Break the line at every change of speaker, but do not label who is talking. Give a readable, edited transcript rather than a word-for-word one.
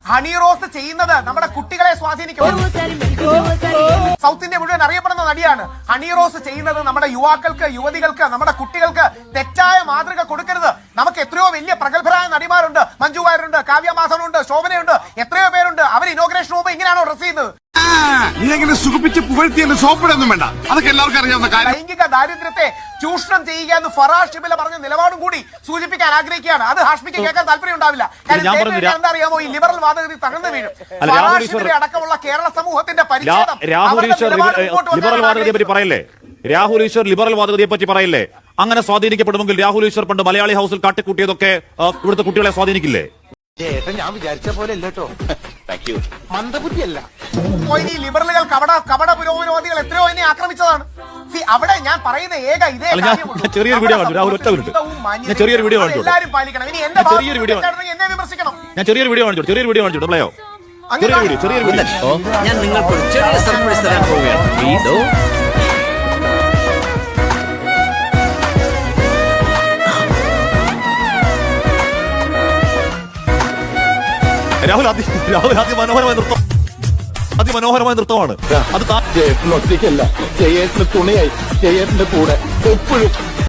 Honey rose ചെയ്യുന്നത് നമ്മുടെ കുട്ടികളെ സ്വാധീനിക്കും. സൗത്ത് ഇന്ത്യ മുഴുവൻ അറിയപ്പെടുന്ന നടിയാണ്. ഹണി റോസ് ചെയ്യുന്നത് നമ്മുടെ യുവാക്കൾക്ക്, യുവതികൾക്ക്, നമ്മുടെ കുട്ടികൾക്ക് തെറ്റായ മാതൃക കൊടുക്കരുത്. നമുക്ക് എത്രയോ വലിയ പ്രഗത്ഭരായ നടിമാരുണ്ട്. മഞ്ജു വാര്യരുണ്ട്, കാവ്യ മാധവനുണ്ട്, ശോഭനയുണ്ട്, എത്രയോ പേരുണ്ട്. അവർ ഇനോഗ്രേഷൻ മുമ്പ് ഇങ്ങനെയാണോ ഡ്രസ് ചെയ്യുന്നത്?
ഇങ്ങനെ സുഖിപ്പിച്ച് പുകഴ്ത്തിയെന്ന് സോപ്പിടൊന്നും വേണ്ട. അതൊക്കെ എല്ലാവർക്കും അറിയാവുന്ന കാര്യം.
ലൈംഗിക ദാരിദ്ര്യത്തെ ചൂഷണം ചെയ്യുക എന്ന് ഫറാസ് ഷിബില പറഞ്ഞ നിലപാടും കൂടി സൂചിപ്പിക്കാൻ ആഗ്രഹിക്കുകയാണ്. അത് ഹാഷ്മിക്ക് കേൾക്കാൻ താല്പര്യം ഉണ്ടാവില്ല. എന്താ അറിയാമോ, ഈ ലിബറൽ വാദഗതി തകർന്നു വീഴും. ഫറാസ് ഷിബില അടക്കമുള്ള കേരള സമൂഹത്തിന്റെ പരിച്ഛേദം
ലിബറൽ വാദഗതിയെ പറ്റി പറയില്ലേ? രാഹുൽ ഈശ്വർ ലിബറൽ വാദഗതിയെ പറ്റി പറയില്ലേ? അങ്ങനെ സ്വാധീനിക്കപ്പെടുമെങ്കിൽ രാഹുൽ ഈശ്വർ പണ്ട് മലയാളി ഹൗസിൽ കാട്ടിക്കൂട്ടിയതൊക്കെ ഇവിടുത്തെ കുട്ടികളെ സ്വാധീനിക്കില്ലേ?
ഞാൻ വിചാരിച്ച പോലെ അല്ലോ. മന്ദബുദ്ധിയല്ല.
ലിബറലുകൾ കപട പുരോഗമനവാദികൾ എത്രയോ എന്നെ ആക്രമിച്ചതാണ്. അവിടെ ഞാൻ പറയുന്ന ഇതേ
ചെറിയൊരു വീഡിയോ കണ്ടു. രാഹുൽ ഒറ്റ മിനിറ്റ്, ഞാൻ ചെറിയൊരു വീഡിയോ കാണിച്ചു.
എല്ലാവരും പാലിക്കണം. ഇനി എന്നെ വിമർശിക്കണം.
ഞാൻ ചെറിയൊരു വീഡിയോ കാണിച്ചു. പ്ലേയോ ചെറിയൊരു വീഡിയോ.
ഞാൻ നിങ്ങൾക്ക് ചെറിയ സർപ്രൈസ് തരാൻ പോവുകയാണ്.
രാഹുൽ അതിമനോഹരമായ നൃത്തമാണ് അത്.
ഒറ്റയ്ക്കല്ല, ജയേട്ടന്റെ തുണയായി, ജയേട്ടന്റെ കൂടെ എപ്പോഴും